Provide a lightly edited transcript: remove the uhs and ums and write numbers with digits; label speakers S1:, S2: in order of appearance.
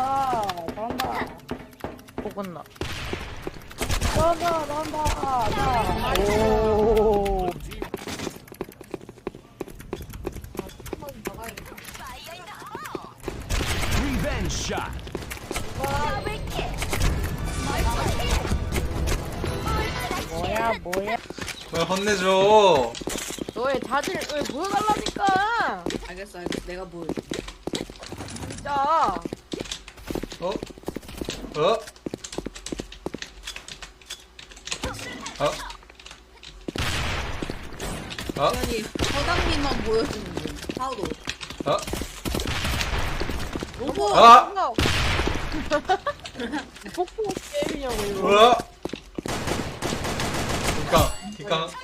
S1: 잘한다.
S2: 보건나.
S1: 잘한다. 오.
S3: Revenge shot.
S1: 뭐야.
S4: 왜 혼내줘?
S2: 너의 자질 왜 보여달라니까.
S5: 알겠어. 내가 뭘.
S2: 진짜.
S4: 어? 어? 어? 어?
S5: 아니, 서당님만 보여주는 중. 하우도.
S4: 어?
S5: 로봇!
S4: 아!
S2: 폭포 게임이냐고 이거.
S4: 뭐야? 기강, 기강.